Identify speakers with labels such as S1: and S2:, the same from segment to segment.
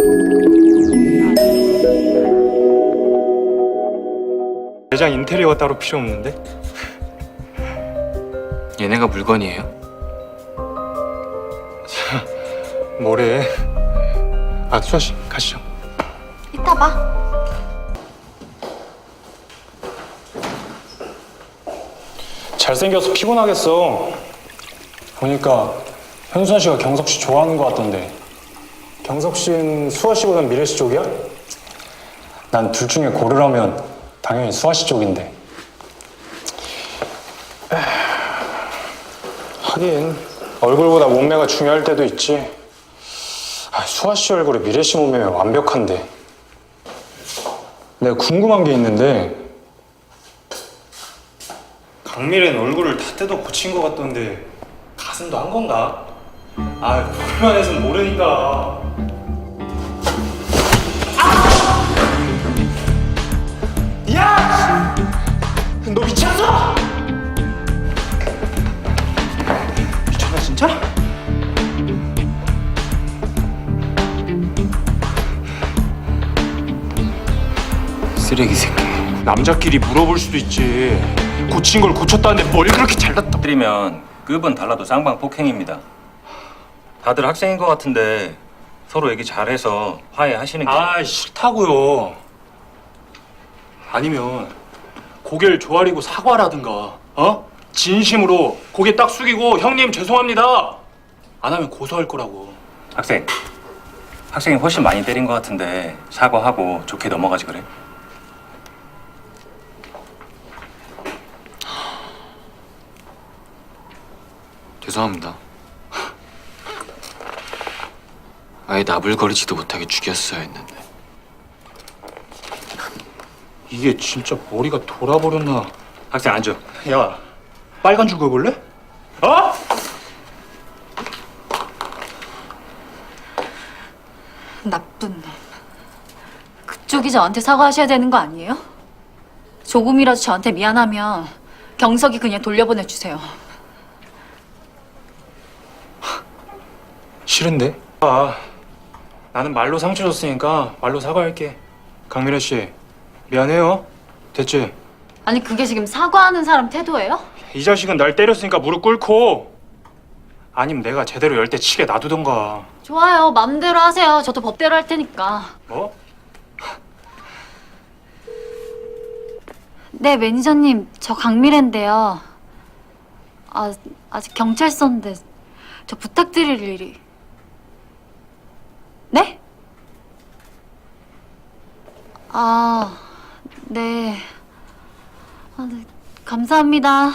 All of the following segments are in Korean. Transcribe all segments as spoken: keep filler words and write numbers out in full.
S1: 매장 인테리어가 따로 필요 없는데?
S2: 얘네가 물건이에요?
S1: 뭐래? 아, 수아 씨, 가시죠.
S3: 이따 봐.
S1: 잘생겨서 피곤하겠어. 보니까 현수아 씨가 경석 씨 좋아하는 것 같던데. 경석 씨는 수아 씨보단 미래 씨 쪽이야? 난 둘 중에 고르라면 당연히 수아 씨 쪽인데. 에휴, 하긴 얼굴보다 몸매가 중요할 때도 있지. 아, 수아 씨 얼굴에 미래 씨 몸매면 완벽한데. 내가 궁금한 게 있는데 강미래는 얼굴을 다 뜯어 고친 것 같던데 가슴도 한 건가? 아, 보기만 해서는 모르니까. 아! 야! 너 미쳤어? 미쳤나 진짜?
S2: 쓰레기 새끼.
S1: 남자끼리 물어볼 수도 있지. 고친 걸 고쳤다는데 뭘 그렇게 잘났다.
S4: 드리면 급은 달라도 쌍방 폭행입니다. 다들 학생인 것 같은데 서로 얘기 잘해서 화해하시는 게.
S1: 아, 싫다고요. 아니면 고개를 조아리고 사과라든가, 어? 진심으로 고개 딱 숙이고 형님 죄송합니다. 안 하면 고소할 거라고.
S4: 학생, 학생이 훨씬 많이 때린 것 같은데 사과하고 좋게 넘어가지 그래?
S2: 죄송합니다. 아예 나불거리지도 못하게 죽였어야 했는데.
S1: 이게 진짜 머리가 돌아버렸나?
S4: 학생 앉아.
S1: 야, 빨간 줄 그어볼래? 어?
S3: 나쁜 놈. 그쪽이 저한테 사과하셔야 되는 거 아니에요? 조금이라도 저한테 미안하면 경석이 그냥 돌려보내주세요.
S1: 싫은데? 아, 나는 말로 상처 줬으니까 말로 사과할게. 강미래 씨, 미안해요. 됐지?
S3: 아니 그게 지금 사과하는 사람 태도예요?
S1: 이 자식은 날 때렸으니까 무릎 꿇고, 아니면 내가 제대로 열 대 치게 놔두던가.
S3: 좋아요. 마음대로 하세요. 저도 법대로 할 테니까.
S1: 뭐?
S3: 네, 매니저님. 저 강미래인데요. 아, 아직 경찰서인데 저 부탁드릴 일이. 네? 아, 네. 아, 네. 감사합니다.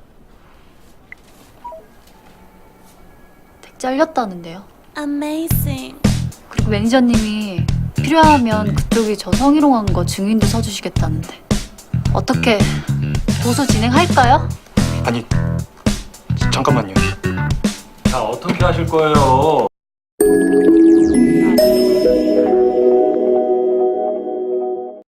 S3: 댁 잘렸다는데요.
S5: Amazing.
S3: 그리고 매니저님이 필요하면 그쪽이 저 성희롱한 거 증인도 서주시겠다는데. 어떻게 고소 진행할까요?
S1: 아니, 잠깐만요.
S4: 자, 어떻게 하실 거예요?